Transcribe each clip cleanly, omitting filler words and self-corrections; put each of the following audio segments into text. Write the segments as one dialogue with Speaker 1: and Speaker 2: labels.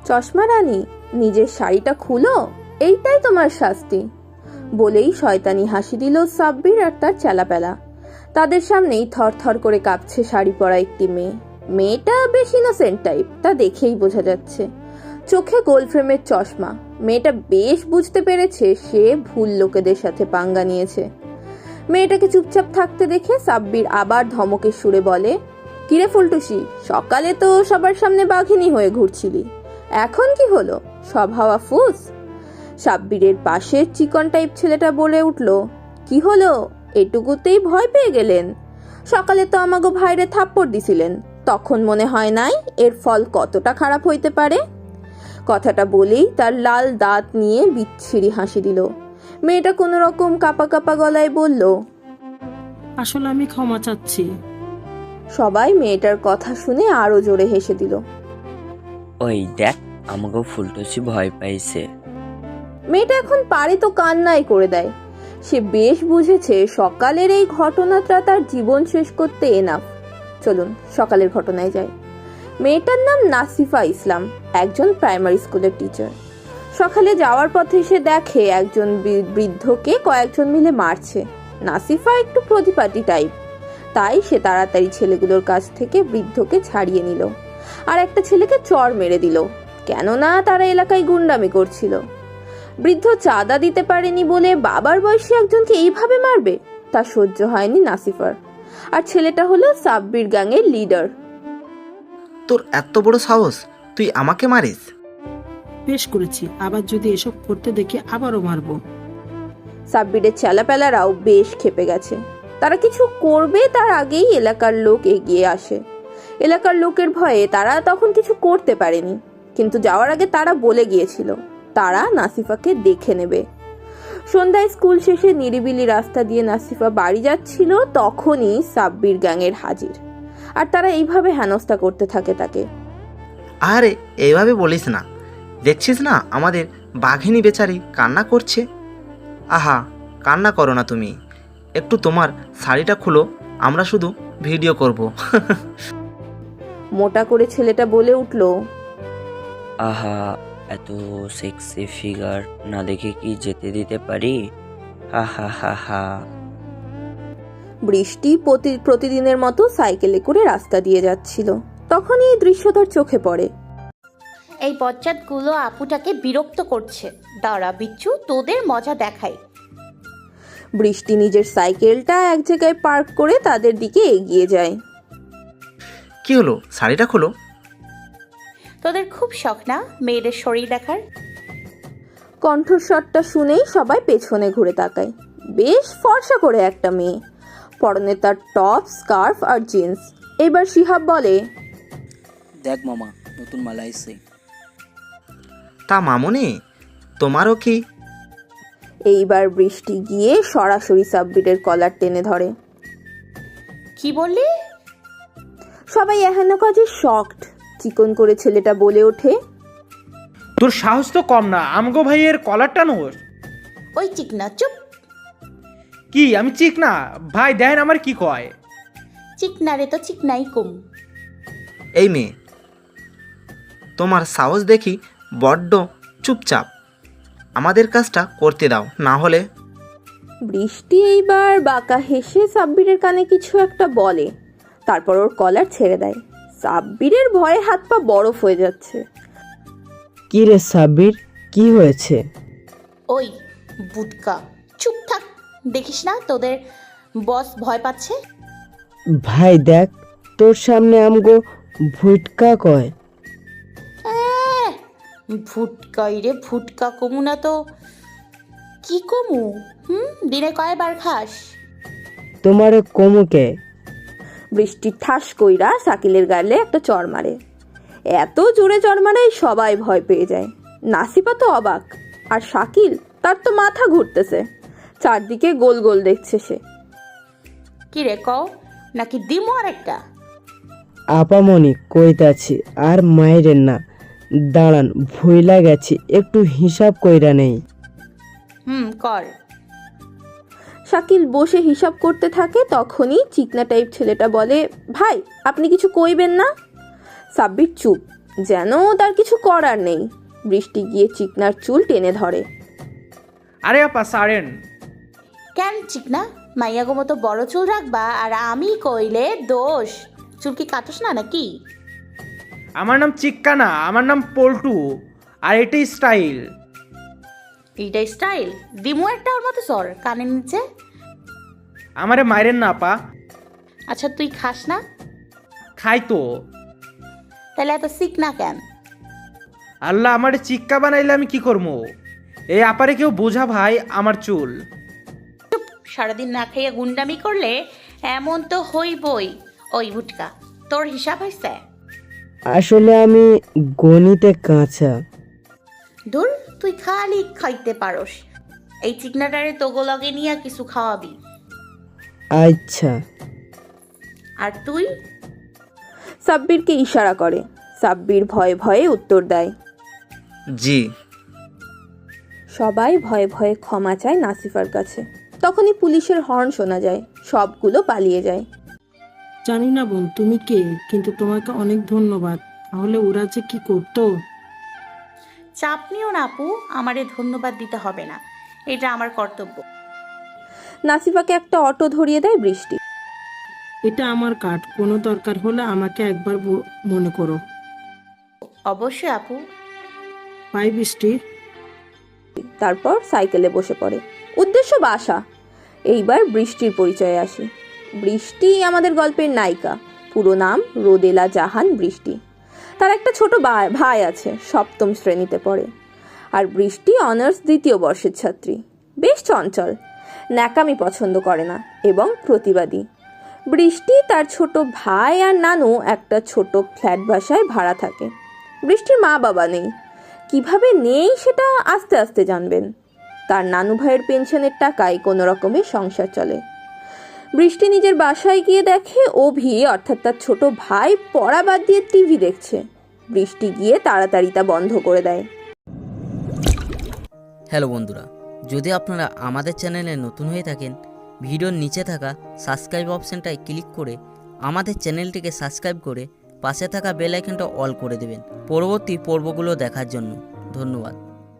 Speaker 1: চশমা রানী, নিজের শাড়িটা খুলো, এইটাই তোমার শাস্তি। বলেই শয়তানি হাসি দিল সাব্বির আর তার চেলাপেলা। তাদের সামনেই থরথর করে কাঁপছে শাড়ি পরা একটি মেয়ে। মেয়েটা বেশ ইনোসেন্ট টাইপ, তা দেখেই বোঝা যাচ্ছে। চোখে গোল ফ্রেমের চশমা। মেয়েটা বেশ বুঝতে পেরেছে সে ভুল লোকেদের সাথে পাঙ্গা নিয়েছে। মেয়েটাকে চুপচাপ থাকতে দেখে সাব্বির আবার ধমকের সুরে বলে, কিরে ফুলটুসি, সকালে তো সবার সামনে বাঘিনী হয়ে ঘুরছিলি, এখন কি হলো? সব হাওয়া ফুস। সাব্বিরের পাশের চিকন টাইপ ছেলেটা বলে উঠল, কি হলো? এটুকুতেই ভয় পেয়ে গেলেন? সকালে তো আমাগো ভাইরে থাপ্পড় দিছিলেন, তখন মনে হয় নাই এর ফল কতটা খারাপ হইতে পারে? কথাটা বলেই তার লাল দাঁত নিয়ে বিচ্ছিরি হাসি দিল। মেয়েটা কোনো রকম কাপা কাপা গলায় বলল,
Speaker 2: আসলে আমি ক্ষমা চাচ্ছি।
Speaker 1: সবাই মেয়েটার কথা শুনে আরো জোরে হেসে দিল।
Speaker 3: ওই দেখ, আমাকে ফুলটুসি ভয় পাইছে।
Speaker 1: মেয়েটা এখন পারে তো কান্নাই করে দেয়। সে বেশ বুঝেছে সকালের এই ঘটনাটা তার জীবন শেষ করতে এনাফ। চলুন সকালের ঘটনায় যাই। মেয়েটার নাম নাসিফা ইসলাম, একজন প্রাইমারি স্কুলের টিচার। সকালে যাওয়ার পথে সে দেখে একজন বৃদ্ধকে কয়েকজন মিলে মারছে। নাসিফা একটু প্রতিপাটি টাইপ, তাই সে তাড়াতাড়ি ছেলেগুলোর কাছ থেকে বৃদ্ধকে ছাড়িয়ে নিল আর একটা ছেলেকে চড় মেরে দিল, কেননা তারা এলাকায় গুন্ডামি করছিল। বৃদ্ধ চাঁদা দিতে পারেনি বলে বাবার বয়সী একজনকে এইভাবে মারবে, তা সহ্য হয়নি নাসিফার। আর ছেলেটা হলো সাব্বির গ্যাংয়ের লিডার।
Speaker 4: তোর এত বড় সাহস, তুই আমাকে মারিস?
Speaker 2: বেশ করেছি, আবার যদি এসব করতে দেখি আবারও মারবো।
Speaker 1: সাব্বিরের চেলাপেলারাও বেশ ক্ষেপে গেছে। তারা কিছু করবে তার আগেই এলাকার লোক এগিয়ে আসে। এলাকার লোকের ভয়ে তারা তখন কিছু করতে পারেনি, কিন্তু যাওয়ার আগে তারা বলে গিয়েছিল তারা নাসিফাকে দেখে নেবে। সন্ধ্যায় স্কুল শেষে নিরিবিলি রাস্তা দিয়ে নাসিফা বাড়ি যাচ্ছিল, তখনই সাব্বির গ্যাংয়ের হাজির। আর তারা এইভাবে হেনস্থা করতে থাকে তাকে।
Speaker 4: আরে এইভাবে বলিস না, দেখছিস না আমাদের বাঘিনী বেচারি কান্না করছে। আহা, কান্না করো না তুমি, একটু তোমার শাড়িটা খুলো, আমরা শুধু ভিডিও করব।
Speaker 1: মোটা করে ছেলেটা বলে উঠল,
Speaker 3: আহা, এত সেক্সি ফিগার না দেখে কি যেতে দিতে পারি? হা হা হা হা।
Speaker 1: বৃষ্টি প্রতিদিনের মতো সাইকেলে করে রাস্তা দিয়ে যাচ্ছিল। তখনই এই দৃশ্য তার চোখে পড়ে।
Speaker 5: এই বজ্জাতগুলো আপুটাকে বিরক্ত করছে, দাঁড়া বিচ্ছু, তোদের মজা দেখাই।
Speaker 1: বৃষ্টি নিজের সাইকেলটা এক জায়গায় পার্ক করে তাদের দিকে এগিয়ে যায়।
Speaker 4: কি হলো, শাড়িটা খোলো।
Speaker 5: তোদের খুব শখ না মেয়েদের শরীর দেখার?
Speaker 1: কণ্ঠস্বরটা শুনেই সবাই পেছনে ঘুরে তাকায়। বেশ ফর্সা করে একটা মেয়ে, পরনে তার টপ, স্কার্ফ আর জিন্স। এবার শিহাব বলে,
Speaker 6: দেখ মামা, নতুন মাল আইছে।
Speaker 4: তা মামুনি, তোমারও কি?
Speaker 1: এইবার বৃষ্টি গিয়ে সরাসরি সাব্বিরের কলার টেনে ধরে।
Speaker 5: কি বললি?
Speaker 1: সবাই এহেন কাজে শকড। চিকন করে ছেলেটা বলে ওঠে,
Speaker 7: তোর সাহস তো কম না, আমগো ভাইয়ের কলারটা নোস।
Speaker 5: ওই চিকনা চুপ।
Speaker 7: কি আমি চিক না? ভাই দেন আমার কি কয়।
Speaker 5: চিকনা রে তো চিকনাই কম।
Speaker 4: এই মেয়ে, তোমার সাহস দেখি বড্ড। চুপচাপ আমাদের কাজটা করতে দাও, না হলে।
Speaker 1: বৃষ্টি এইবার বাঁকা হেসে সাব্বিরের কানে কিছু একটা বলে, তারপর ওর কলার ছেড়ে দেয়। সাব্বিরের ভয়ে হাত পা বরফ হয়ে যাচ্ছে।
Speaker 8: কি রে সাব্বির, কি হয়েছে?
Speaker 5: ওই বুটকা, চুপ থাক। দেখিস না তোদের বস ভয় পাচ্ছে?
Speaker 8: ভাই দেখ, তোর সামনে আমগো ভুটকা কয়।
Speaker 5: ভুটকাই রে, ভুটকা কমু না তো কি কমু? দিনে কয়বার খাস?
Speaker 8: তোমারে কমুকে।
Speaker 1: বৃষ্টি ঠাস কইরা শাকিলের গালে একটা চড় মারে। এত জোরে চড় মারায় সবাই ভয় পেয়ে যায়। নাসিফা তো অবাক, আর শাকিল, তার তো মাথা ঘুরতেছে। চারদিকে গোল গোল দেখছে সে।
Speaker 5: কি রে কও, নাকি দিমো আর একটা?
Speaker 8: আপামনি কইতাছি, আর মাইরেন না, দাঁড়ান, ভুইলা গেছি, একটু হিসাব কইরা নেই।
Speaker 5: কর।
Speaker 1: শাকিল বসে হিসাব করতে থাকে। তখনই চিকনা টাইপ ছেলেটা বলে, ভাই আপনি কিছু কইবেন না? সাব্বির চুপ, যেন তার কিছু করার নেই। বৃষ্টি গিয়ে চিকনার চুল টেনে ধরে।
Speaker 7: আরে আপা সারেন।
Speaker 5: কেন চিকনা, মাইয়াগো মতো বড় চুল রাখবা আর আমি কইলে দোষ? চুল কি কাটস না নাকি?
Speaker 7: আমার নাম চিক্কা না, আমার নাম পল্টু। আর এটাই স্টাইল।
Speaker 5: এইটা স্টাইল? দিমু একটা ওর মতো সর কানের নিচে।
Speaker 7: আমারে মাইরেন না আপা।
Speaker 5: আচ্ছা তুই খাস না?
Speaker 7: খাই তো।
Speaker 5: তাহলে এত সিক না কেন?
Speaker 7: আল্লাহ, আমারে চিক্কা বানাইলে আমি কি করবো? এই আপারে কেউ বোঝা ভাই আমার চুল।
Speaker 5: সারাদিন না খাইয়া গুন্ডামি করলে এমন তো হইবই। ওই ভুটকা, তোর হিসাব হয়েছে?
Speaker 8: আসলে আমি গণিতে কাঁচা।
Speaker 5: ধুর, তুই খালি খাইতে পারস। এই চিকনাটারে তোগো লগে নিয়ে কিছু খাওয়াবি।
Speaker 8: আচ্ছা।
Speaker 5: আর তুই?
Speaker 1: সাব্বিরকে ইশারা করে। সাব্বির ভয়ে ভয়ে উত্তর দেয়।
Speaker 4: জি।
Speaker 1: সবাই ভয়ে ভয়ে ক্ষমা চায় নাসিফার কাছে। তখনই পুলিশের হর্ন শোনা যায়। সবগুলো পালিয়ে যায়।
Speaker 2: জানি না বোন তুমি কে, কিন্তু তোমাকে অনেক ধন্যবাদ। তাহলে ওরা যে কি করতো।
Speaker 5: চাপ নিও না আপু, আমারে ধন্যবাদ দিতে হবে না, এটা আমার কর্তব্য।
Speaker 1: নাসিফাকে একটা অটো ধরিয়ে দেয় বৃষ্টি।
Speaker 2: এটা আমার কার্ড, কোনো দরকার হলে আমাকে একবার মনে করো।
Speaker 5: অবশ্যই আপু।
Speaker 2: বাই বৃষ্টি।
Speaker 1: তারপর সাইকেলে বসে পড়ে। উদ্দেশ্য বাসা। এইবার বৃষ্টির পরিচয়ে আসি। বৃষ্টি আমাদের গল্পের নায়িকা। পুরো নাম রোদেলা জাহান বৃষ্টি। তার একটা ছোট ভাই আছে, 7ম শ্রেণীতে পড়ে। আর বৃষ্টি অনার্স 2য় বর্ষের ছাত্রী। বেশ চঞ্চল, ন্যাকামি পছন্দ করে না এবং প্রতিবাদী। বৃষ্টি, তার ছোট ভাই আর নানু একটা ছোট ফ্ল্যাট বাসায় ভাড়া থাকে। বৃষ্টির মা বাবা নেই। কিভাবে নেই সেটা আস্তে আস্তে জানবেন। তার নানু ভাইয়ের পেনশনের টাকায় কোনো রকমে সংসার চলে। বৃষ্টি নিজের বাসায় গিয়ে দেখে অভি, অর্থাৎ তার ছোট ভাই, পড়া বাদ দিয়ে টিভি দেখছে। বৃষ্টি গিয়ে তাড়াতাড়ি তা বন্ধ করে দেয়।
Speaker 9: হ্যালো বন্ধুরা, যদি আপনারা আমাদের চ্যানেলে নতুন হয়ে থাকেন, ভিডিওর নিচে থাকা সাবস্ক্রাইব অপশানটায় ক্লিক করে আমাদের চ্যানেলটিকে সাবস্ক্রাইব করে পাশে থাকা বেল আইকনটা অল করে দেবেন পরবর্তী পর্বগুলো দেখার জন্য। ধন্যবাদ।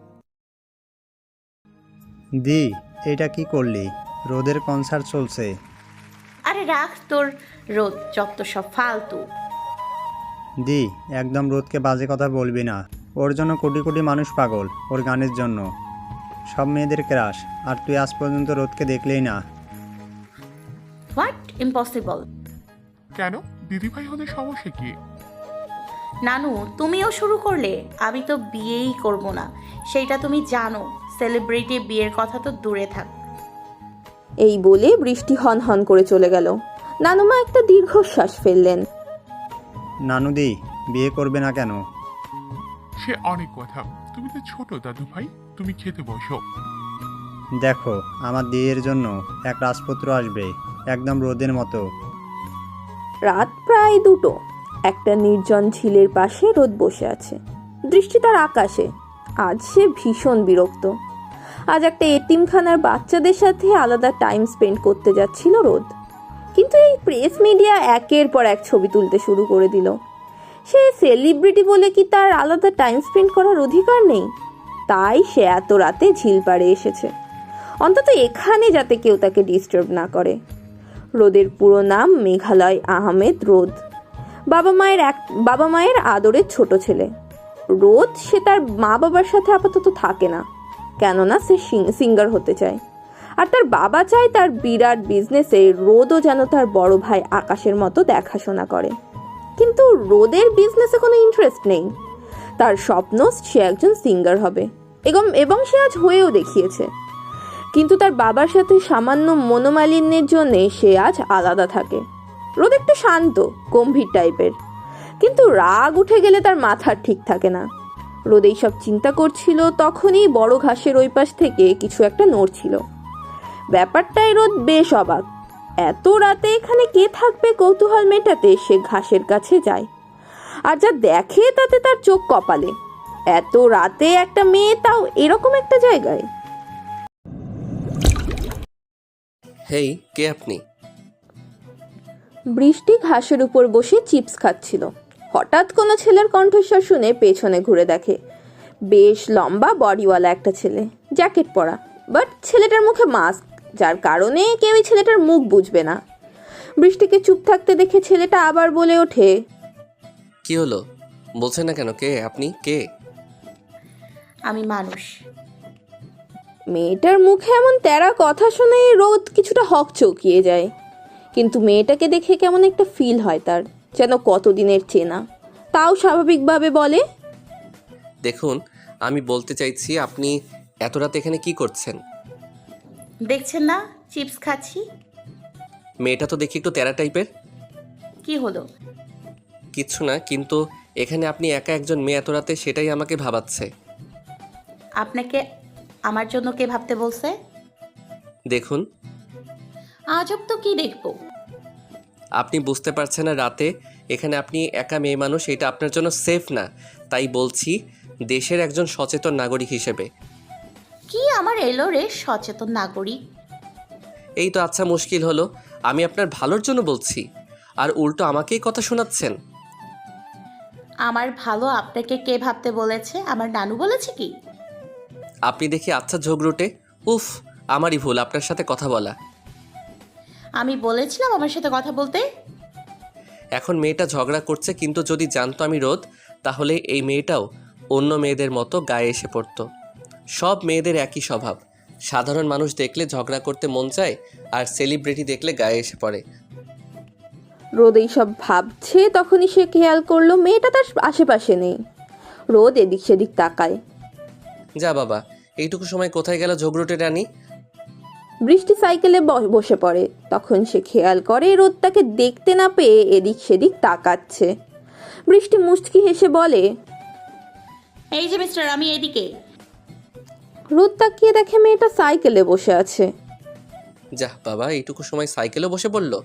Speaker 10: দি, এটা কি করলি? রোদের কনসার্ট চলছে।
Speaker 5: আরে রাখ তোর রোদ, যত সব ফালতু।
Speaker 10: দি, একদম রোদকে বাজে কথা বলবি না। ওর জন্য কোটি কোটি মানুষ পাগল, ওর গানের জন্য। সব মেয়েদের ক্রাশ, আর তুই আজ পর্যন্ত রোদকে দেখলেই না।
Speaker 5: হোয়াট? ইম্পসিবল।
Speaker 11: কেন? দিদিভাই হলে সমস্যা কি?
Speaker 5: নানু, তুমিও শুরু করলে? আমি তো বিয়েই করব না, সেইটা তুমি জানো। সেলিব্রিটি বিয়ের কথা তো দূরে থাক।
Speaker 1: এই বলে বৃষ্টি হন হন করে চলে গেল। নানুমা একটা দীর্ঘশ্বাস ফেললেন।
Speaker 10: নানুদি, বিয়ে করবে না কেন?
Speaker 11: সে অনেক কথা। তুমি তো ছোট দাদু ভাই, তুমি খেতে বসো।
Speaker 10: দেখো, আমার দিয়ের জন্য এক রাজপুত্র আসবে, একদম রোদের মতো।
Speaker 1: রাত প্রায় 2টো। একটা নির্জন ঝিলের পাশে রোদ বসে আছে। দৃষ্টি তার আকাশে। আজ সে ভীষণ বিরক্ত। আজ একটা এতিমখানার বাচ্চাদের সাথে আলাদা টাইম স্পেন্ড করতে যাচ্ছিল রোদ। কিন্তু এই প্রেস মিডিয়া একের পর এক ছবি তুলতে শুরু করে দিল। সে সেলিব্রিটি বলে কি তার আলাদা টাইম স্পেন্ড করার অধিকার নেই? তাই সে এত রাতে ঝিল পাড়ে এসেছে, অন্তত এখানে যাতে কেউ তাকে ডিস্টার্ব না করে। রোদের পুরো নাম মেঘালয় আহমেদ রোদ। বাবা মায়ের আদরের ছোট ছেলে। রোদ, সে তার মা বাবার সাথে আপাতত থাকে না, কেননা সে সিঙ্গার হতে চায়। আর তার বাবা চায় তার বিরাট বিজনেসে রোদও যেন তার বড় ভাই আকাশের মতো দেখাশোনা করে। কিন্তু রোদের বিজনেসে কোনো ইন্টারেস্ট নেই। তার স্বপ্ন সে একজন সিঙ্গার হবে, এবং সে আজ হয়েও দেখিয়েছে। কিন্তু তার বাবার সাথে সামান্য মনোমালিন্যের জন্যে সে আজ আলাদা থাকে। রোদ একটু শান্ত গম্ভীর টাইপের, কিন্তু রাগ উঠে গেলে তার মাথা ঠিক থাকে না। রোদ এইসব চিন্তা করছিল, তখনই বড় ঘাসের ওই পাশ থেকে কিছু একটা নড়ছিল। ব্যাপারটাই রোদ বেশ অবাক। এত রাতে এখানে কে থাকবে কৌতূহল মেটাতে সে ঘাসের কাছে যায়। আর যা দেখে তাতে তার চোখ কপালে। এত রাতে একটা মেয়ে, তাও এরকম একটা জায়গায়।
Speaker 12: হেই, কে আপনি?
Speaker 1: বৃষ্টি ঘাসের উপর বসে চিপস খাচ্ছিল। হঠাৎ কোনো ছেলের কণ্ঠস্বর শুনে পেছনে ঘুরে দেখে বেশ লম্বা বডিওয়ালা একটা ছেলে, জ্যাকেট পরা, বাট ছেলেটার মুখে মাস্ক, যার কারণে কেউই ছেলেটার মুখ বুঝবে না। বৃষ্টিকে চুপ থাকতে দেখে ছেলেটা আবার বলে ওঠে,
Speaker 12: কি হলো, বলছেন না কেন? কে আপনি? কে?
Speaker 5: আমি মানুষ।
Speaker 1: মেয়েটার মুখে এমন তেরা কথা শুনে রোদ কিছুটা হকচকিয়ে যায়, কিন্তু মেয়েটাকে দেখে কেমন একটা ফিল হয় তার, যেন কতদিনের চেনা। তাও স্বাভাবিকভাবে বলে,
Speaker 12: দেখুন, আমি বলতে চাইছি আপনি এত রাতে এখানে কি করছেন?
Speaker 5: দেখছেন না চিপস খাচ্ছি।
Speaker 12: মেয়েটা তো দেখি একটু তেরা টাইপের।
Speaker 5: কি হলো?
Speaker 12: কিচ্ছু না, কিন্তু এখানে আপনি একা একজন মেয়ে এত রাতে, সেটাই আমাকে ভাবাচ্ছে।
Speaker 5: আপনাকে আমার জন্য কে ভাবতে বলছে?
Speaker 12: দেখুন,
Speaker 5: আজব তো, কি দেখবো?
Speaker 12: আপনি বুঝতে পারছেন না রাতে এখানে আপনি একা মেয়ে মানুষ, এটা আপনার জন্য সেফ না। তাই বলছি, দেশের একজন সচেতন নাগরিক হিসেবে।
Speaker 5: কি আমার এলো রে সচেতন নাগরিক?
Speaker 12: এই তো আচ্ছা, মুশকিল হলো। আমি আপনার ভালোর জন্য বলছি, আর উল্টো আমাকেই কথা শোনাচ্ছেন।
Speaker 5: আমার ভালো আপনাকে কে ভাবতে বলেছে? আমার নানু বলেছে কি?
Speaker 12: আপনি দেখি আচ্ছা ঝগড়ুটে। উফ, আমারই ভুল আপনার সাথে কথা বলা।
Speaker 5: আমি বলেছিলাম আমার সাথে কথা বলতে?
Speaker 12: এখন মেয়েটা ঝগড়া করছে, কিন্তু যদি জানতো আমি রোদ, তাহলে এই মেয়েটাও অন্য মেয়েদের মতো গায়ে এসে পড়তো। সব মেয়েদের একই স্বভাব, সাধারণ মানুষ দেখলে ঝগড়া করতে মন চায়, আর সেলিব্রিটি দেখলে গায়ে এসে পড়ে।
Speaker 1: রোদ এইসব ভাবছে, তখনই সে খেয়াল করলো মেয়েটা তার আশেপাশে নেই। রোদ এদিক সেদিক তাকায়।
Speaker 12: যা বাবা, এইটুকু সময় কোথায় গেল ঝগড়ুটে রানী?
Speaker 1: বৃষ্টি সাইকেলে বসে পড়ে, তখন সে খেয়াল করে রোদ তাকে দেখতে না পেয়ে এদিক সেদিক তাকাচ্ছে। বৃষ্টি মুচকি হেসে বলে,
Speaker 5: এই যে মিস্টার, আমি এদিকে।
Speaker 1: রোদ তাকিয়ে দেখে মেয়েটা সাইকেলে বসে আছে।
Speaker 12: যা বাবা, এইটুকু সময় সাইকেলে বসে পড়লো।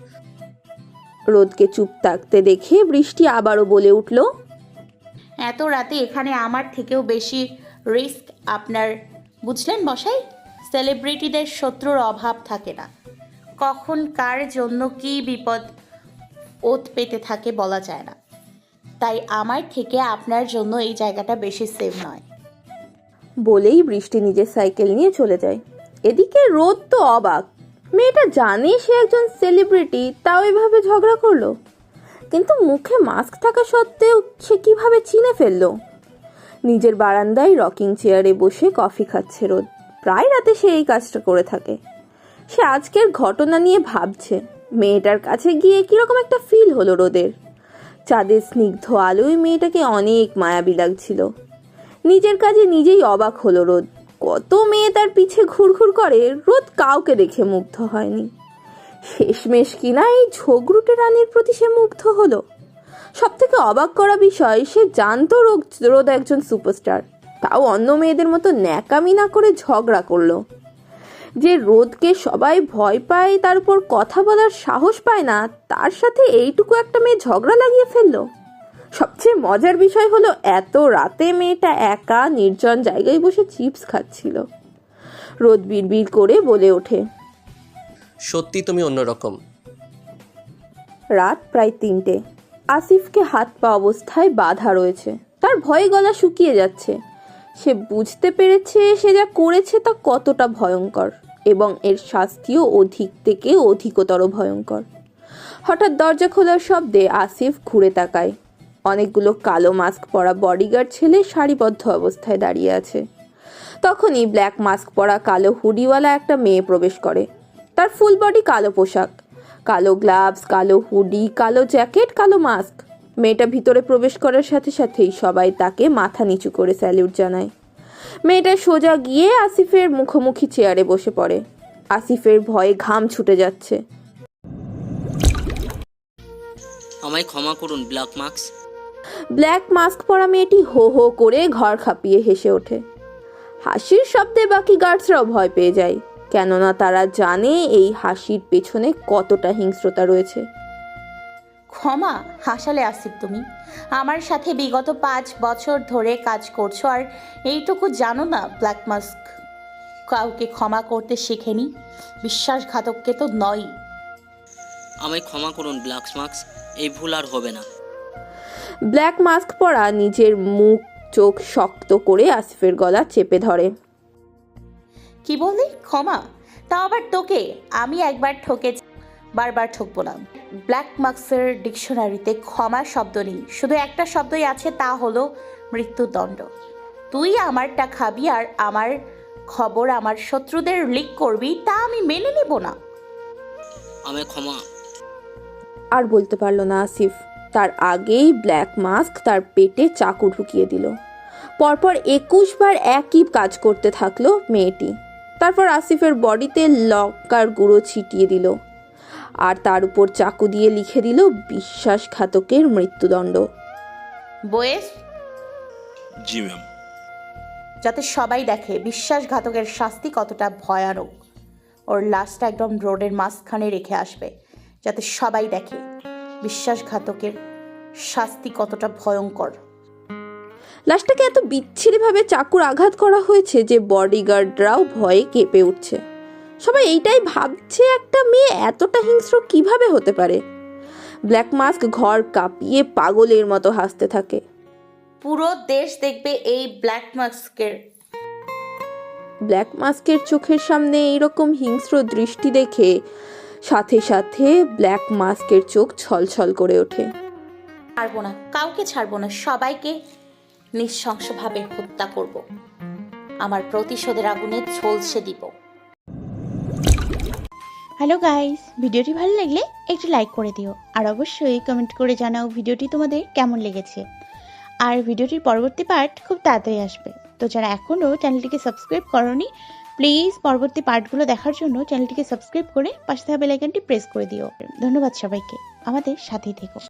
Speaker 1: রোদকে চুপ থাকতে দেখে বৃষ্টি আবারও বলে উঠল,
Speaker 5: এত রাতে এখানে আমার থেকেও বেশি রিস্ক আপনার, বুঝলেন মশাই? সেলিব্রিটিদের শত্রুর অভাব থাকে না, কখন কার জন্য কি বিপদ ওত পেতে থাকে বলা যায় না। তাই আমার থেকে আপনার জন্য এই জায়গাটা বেশি সেফ নয়।
Speaker 1: বলেই বৃষ্টি নিজের সাইকেল নিয়ে চলে যায়। এদিকে রোদ তো অবাক, মেয়েটা জানে সে একজন সেলিব্রিটি, তাও এভাবে ঝগড়া করলো, কিন্তু মুখে মাস্ক থাকা সত্ত্বেও সে কিভাবে চিনে ফেললো। নিজের বারান্দায় রকিং চেয়ারে বসে কফি খাচ্ছে রোদ, প্রায় রাতে সে এই কাজটা করে থাকে। সে আজকের ঘটনা নিয়ে ভাবছে। মেয়েটার কাছে গিয়ে কিরকম একটা ফিল হলো রোদের। চাঁদের স্নিগ্ধ আলোয় মেয়েটাকে অনেক মায়াবী লাগছিল। নিজের কাজে নিজেই অবাক হলো রোদ। কত মেয়ে তার পিছে ঘুরঘুর করে, রোদ কাউকে দেখে মুগ্ধ হয়নি। শেষমেশ কিনা এই ঝগড়ুটে রানীর প্রতি সে মুগ্ধ হলো। সব থেকে অবাক করা বিষয়, সে জানতো রোদ একজন সুপারস্টার, তাও অন্য মেয়েদের মতো ন্যাকামি না করে ঝগড়া করলো। যে রোদকে সবাই ভয় পায়, তার উপর কথা বলার সাহস পায় না, তার সাথে এইটুকু একটা মেয়ে ঝগড়া লাগিয়ে ফেললো। সবচেয়ে মজার বিষয় হলো, এত রাতে মেয়েটা একা নির্জন জায়গায় বসে চিপস খাচ্ছিল। রোদ বিড়বিড় করে বলে ওঠে,
Speaker 12: সত্যি তুমি অন্যরকম।
Speaker 1: রাত প্রায় 3টে। আসিফকে হাত পা অবস্থায় বাধা রয়েছে, তার ভয়ে গলা শুকিয়ে যাচ্ছে। সে বুঝতে পেরেছে সে যা করেছে তা কতটা ভয়ঙ্কর, এবং এর শাস্তিও অধিক থেকে অধিকতর ভয়ঙ্কর। হঠাৎ দরজা খোলার শব্দে আসিফ ঘুরে তাকায়। অনেকগুলো কালো মাস্ক পরা বডিগার্ড ছেলে সারিবদ্ধ অবস্থায় দাঁড়িয়ে আছে। তখনই ব্ল্যাক মাস্ক পরা কালো হুডিওয়ালা একটা মেয়ে প্রবেশ করে। তার ফুল বডি কালো পোশাক, কালো গ্লাভস, কালো হুডি, কালো জ্যাকেট, কালো মাস্ক। মেয়েটা ভিতরে প্রবেশ করার সাথে সাথেই সবাই তাকে মাথা নিচু করে স্যালিউট জানায়। মেয়েটা সোজা গিয়ে আসিফের মুখোমুখি চেয়ারে বসে পড়ে। আসিফের ভয়ে ঘাম ছুটে যাচ্ছে।
Speaker 9: আমায় ক্ষমা করুন ব্ল্যাক মাস্ক।
Speaker 1: ব্ল্যাক মাস্ক পরা মেয়েটি হো হো করে ঘর খাপিয়ে হেসে ওঠে। হাসির শব্দে বাকি গার্ডসরাও ভয় পেয়ে যায়, কেননা তারা জানে এই হাসির পেছনে কতটা হিংস্রতা রয়েছে।
Speaker 5: ক্ষমা? হাসালে আসিফ তুমি? আমার সাথে বিগত 5 বছর ধরে কাজ করছো, আর এইটুকু জানো না ব্ল্যাক মাস্ক কাউকে ক্ষমা করতে শেখেনি? বিশ্বাসঘাতককে তো নয়।
Speaker 9: আমায় ক্ষমা করুন ব্ল্যাক মাস্ক, এই ভুল আর হবে না।
Speaker 1: ব্ল্যাক মাস্ক পরা নিজের মুখ চোখ শক্ত করে আসিফের গলা চেপে ধরে।
Speaker 5: কি বললি? ক্ষমা? তাও আবার তোকে? আমি একবার ঠকেছি, বারবার ঠকবো না। ব্ল্যাক মার্কসের ডিকশনারিতে ক্ষমা শব্দ নেই, শুধু একটা শব্দই আছে, তা হলো মৃত্যুদণ্ড। তুই আমারটা খাবি আর আমার খবর আমার শত্রুদের লিক করবি, তা আমি মেনে নিব না।
Speaker 9: আমি ক্ষমা।
Speaker 1: আর বলতে পারলো না আসিফ, তার আগেই ব্ল্যাক মাস্ক তার পেটে চাকু ঢুকিয়ে দিল। পরপর 21 বার একই কাজ করতে থাকলো মেয়েটি। তারপর আসিফের বডিতে লঙ্কার গুঁড়ো ছিটিয়ে দিল আর তার উপর চাকু দিয়ে লিখে দিল বিশ্বাসঘাতকের মৃত্যুদণ্ড।
Speaker 5: বয়েস,
Speaker 13: জি ম্যাম।
Speaker 5: যাতে সবাই দেখে বিশ্বাসঘাতকের শাস্তি কতটা ভয়ানক। ওর লাশটা একদম রোডের মাঝখানে রেখে আসবে, যাতে সবাই দেখে বিশ্বাসঘাতকের শাস্তি কতটা ভয়ঙ্কর।
Speaker 1: লাশটাকে এত বিচ্ছিরিভাবে চাকুর আঘাত করা হয়েছে যে বডিগার্ডরাও ভয়ে কেঁপে উঠছে। সবাই এইটাই ভাবছে, একটা মেয়ে এতটা হিংস্র কিভাবে হতে পারে। ব্ল্যাক মাস্ক ঘর কাঁপিয়ে পাগলের মতো হাসতে থাকে।
Speaker 5: পুরো দেশ দেখবে এই ব্ল্যাক
Speaker 1: মাস্কের চোখের সামনে এইরকম হিংস্র দৃষ্টি দেখে সাথে সাথে ব্ল্যাক মাস্কের চোখ ছলছল করে ওঠে।
Speaker 5: ছাড়বো না, কাউকে ছাড়বো না, সবাইকে নৃশংসভাবে হত্যা করব। আমার প্রতিশোধের আগুনে ঝলসে দিব।
Speaker 14: হ্যালো গাইস, ভিডিওটি ভালো লাগলে একটু লাইক করে দিও আর অবশ্যই কমেন্ট করে জানাও ভিডিওটি তোমাদের কেমন লেগেছে। আর ভিডিওটির পরবর্তী পার্ট খুব তাড়াতাড়ি আসবে, তো যারা এখনও চ্যানেলটিকে সাবস্ক্রাইব করোনি প্লিজ পরবর্তী পার্টগুলো দেখার জন্য চ্যানেলটিকে সাবস্ক্রাইব করে পাশে থাকা বেল আইকনটি প্রেস করে দিও। ধন্যবাদ সবাইকে, আমাদের সাথেই থেকো।